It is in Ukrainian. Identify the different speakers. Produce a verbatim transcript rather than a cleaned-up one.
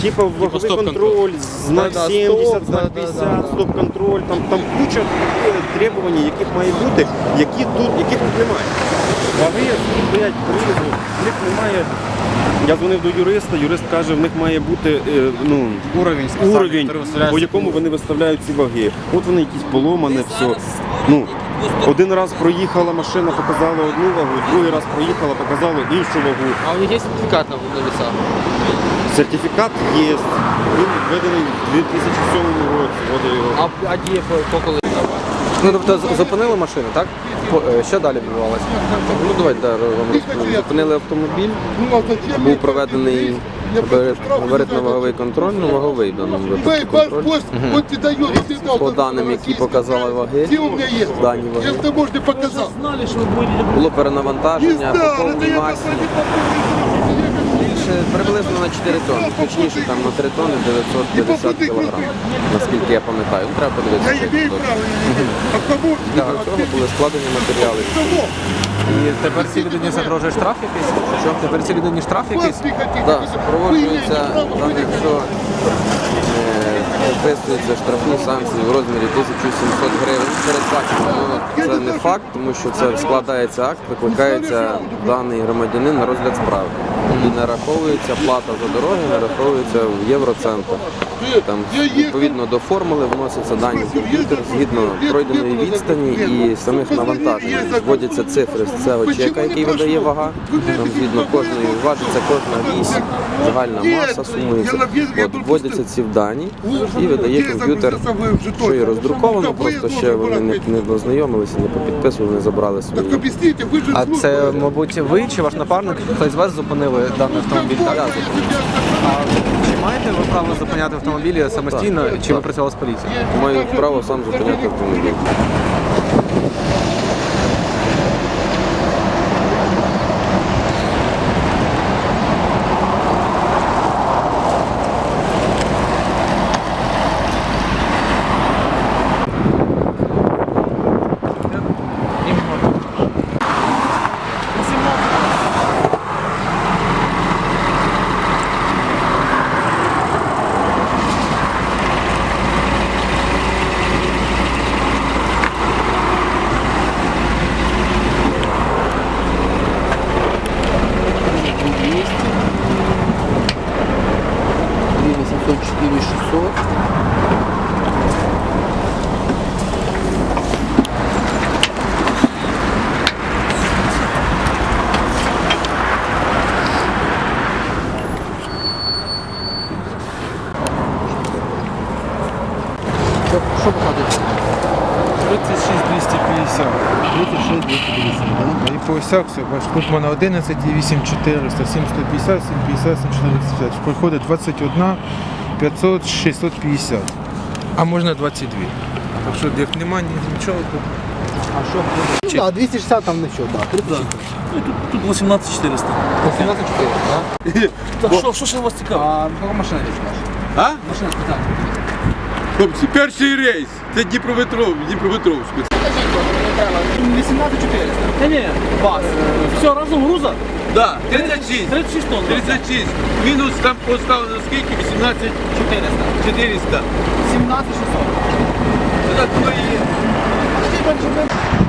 Speaker 1: Типа ваговий контроль, знак
Speaker 2: Да, да,
Speaker 1: сімдесят,
Speaker 2: стоп,
Speaker 1: знак
Speaker 2: да, да,
Speaker 1: п'ятдесят,
Speaker 2: да, да.
Speaker 1: стоп-контроль, там, там куча требувань, яких має бути, які тут, яких тут немає. Ваги стоять призу, в них немає. Я дзвонив до юриста, юрист каже, в них має бути е, ну,
Speaker 2: Уровень,
Speaker 1: уровень, по якому вони виставляють ці ваги. От вони якісь поломане, все. Ну, один раз проїхала машина, показала одну вагу, другий раз проїхала, показала іншу вагу.
Speaker 3: А у них є сертифікат на веса?
Speaker 1: Сертифікат є, він введений в дві тисячі сьомому році. От я його.
Speaker 3: А, а діє по, по коли?
Speaker 2: Ну, тобто з- зупинили машину, так? По- е, Що далі відбувалося? Ну, давайте да, вам розповім. Зупинили автомобіль, був проведений габаритно-ваговий контроль, ну, ваговий в даному випадку контроль. По даним, які показали ваги, дані ваги, було перенавантаження по повній масі. Більше приблизно на чотири тонни, точніше там на три тонни дев'ятсот п'ятдесят кілограм, наскільки я пам'ятаю. Ну, треба подивитися, як це точно. Для цього були складені матеріали.
Speaker 4: І тепер цій людині загрожує штраф якийсь? Що? Тепер цій людині штраф якийсь?
Speaker 2: Так, супроводжується, там якщо е, виписуються штрафні санкції в розмірі тисяча сімсот гривень передбачено. Ну, це не факт, тому що це складається акт, викликається даний громадянин на розгляд справи. І нараховується плата за дороги, нараховується в євроцентах. Там відповідно до формули вносяться дані в комп'ютер згідно пройденої відстані і самих навантажень. Вводяться цифри з цього чека, який видає вага. Там згідно кожної важиться кожна вісь, загальна маса сумується. От вводяться ці дані і видає комп'ютер, що і роздруковано, просто ще вони не, не ознайомилися, не попідписували, не забрали свої.
Speaker 4: А це, мабуть, ви чи ваш напарник, хтось з вас зупинили даний автомобіль? Так?
Speaker 2: Я
Speaker 4: А чи маєте ви право зупиняти автомобілі самостійно, чи ви працювали з поліцією?
Speaker 2: маю право сам зупиняти автомобіль.
Speaker 3: восемьсот четыре шестьсот. Що, що показує?
Speaker 5: тридцять шість двісті п'ятдесят.
Speaker 3: тридцять шість двісті п'ятдесят, так?
Speaker 5: І по осях все, бачиш, тут в мене одинадцять і вісім чотириста, сім сто п'ятдесят, сім п'ятдесят, сім чотириста п'ятдесят. Приходить двадцять один п'ятсот, шістсот п'ятдесят. А можна двадцять два. Так що як немає нічого, то...
Speaker 3: А що? Ну так, двісті шістдесят там нічого, так. тридцять.
Speaker 6: Тут вісімнадцять чотириста.
Speaker 3: вісімнадцять чотириста, так?
Speaker 6: Так що, що ще у вас цікаво?
Speaker 3: А кого машина візьмеш?
Speaker 7: А?
Speaker 3: Машина спитати.
Speaker 7: Хлопці, перший рейс. Це Дніпропетров, Дніпропетровськ.
Speaker 3: вісімнадцять чотириста.
Speaker 6: Ні, ні, вас. Все, разом груза?
Speaker 7: Да, тридцять шість.
Speaker 6: тридцять шість тонн.
Speaker 7: тридцять шість. Мінус там поставлено скільки? вісімнадцять
Speaker 3: чотириста.
Speaker 7: чотириста.
Speaker 3: сімнадцять шістсот.
Speaker 7: Це так воно і є.